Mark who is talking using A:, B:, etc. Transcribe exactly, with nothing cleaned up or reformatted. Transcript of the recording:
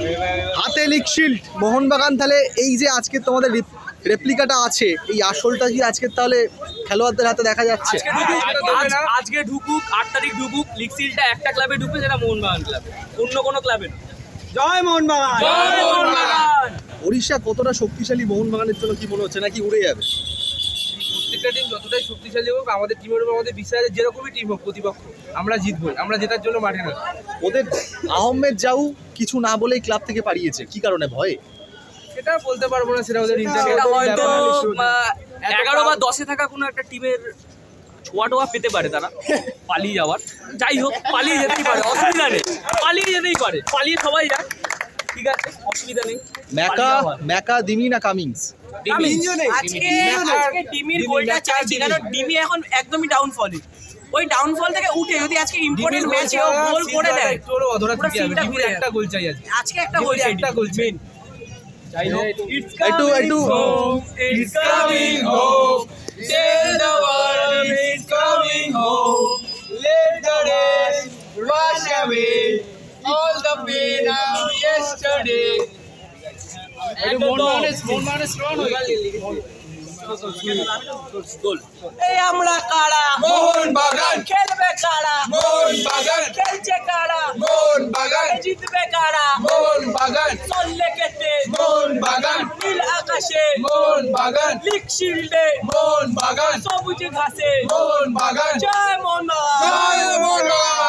A: হাতে league shield Mohun Bagan. তাহলে এই যে আজকে তোমাদের রেপ্লিকাটা আছে, এই আসলটা কি আজকে তাহলে খেলোয়াড়দের হাতে দেখা যাচ্ছে?
B: আজকে ঢুকুক, আট তারিখ ঢুকুক, লিগ শিল্ডটা একটা ক্লাবে ঢুকবে, যেটা মোহনবাগান ক্লাবে, অন্য কোনো ক্লাবে না।
A: জয় মোহনবাগান।
B: জয় মোহনবাগান।
A: ওড়িশা কতটা শক্তিশালী মোহনবাগানের জন্য কি মনে হচ্ছে, নাকি উড়ে যাবে?
C: প্রত্যেকটা টিম যতটাই শক্তিশালী হোক, আমাদের টিমের উপর আমাদের বিশ্বাস আছে, যেরকমই টিম হোক প্রতিপক্ষ, আমরা জিতবো। আমরা জেতার জন্য মাঠে না।
A: ওদের আহমেদ জাউ কিছু না বলেই ক্লাব থেকে পাঠিয়েছে, কি কারণে? ভয়ে?
C: সেটা বলতে পারবো না, সেটা ওদের
B: সেটা হয়তো
C: ইন্টারনেট
B: এগারো বা দশে থাকা কোনো একটা টিমের ছোঁয়া টোয়া পেতে পারে তারা পালিয়ে যাওয়ার। যাই হোক, পালিয়ে যেতেই পারে, অসুবিধা নেই, পালিয়ে যেতেই পারে, পালিয়ে সবাই যায়, ঠিক আছে, অসুবিধা নেই।
A: ম্যাকা ম্যাকা দিমি না কামিংস?
B: আজকে আজকে ডিমির গোলটা চাইছি, কারণ ডিমি এখন একদমই ডাউনফলে। ওই ডাউনফল থেকে উঠে যদি আজকে ইম্পর্টেন্ট ম্যাচে ও গোল করে দেয়,
C: একটু অধরা থেকে যাবে। ডিমির একটা গোল চাই আজকে।
B: আজকে একটা গোল চাই,
C: একটা গোল চাই।
B: যাই হোক,
A: একটু একটু
B: it's coming home, tell the world it's coming home, let the rain wash away all the pain of yesterday. And the goal. এই আমরা কারা?
C: মোহনবাগান।
B: খেলবে কারা?
C: মোহনবাগান।
B: খেলছে কারা?
C: মোহনবাগান।
B: জিতবে কারা?
C: মোহনবাগান।
B: চললে কেটে
C: মোহনবাগান।
B: নীল আকাশে
C: মোহনবাগান।
B: লিগ শিল্ডে
C: মোহনবাগান।
B: সবুজ ঘাসে
C: মোহনবাগান।
B: জয় মোহনবাগান।
C: জয় মোহনবাগান।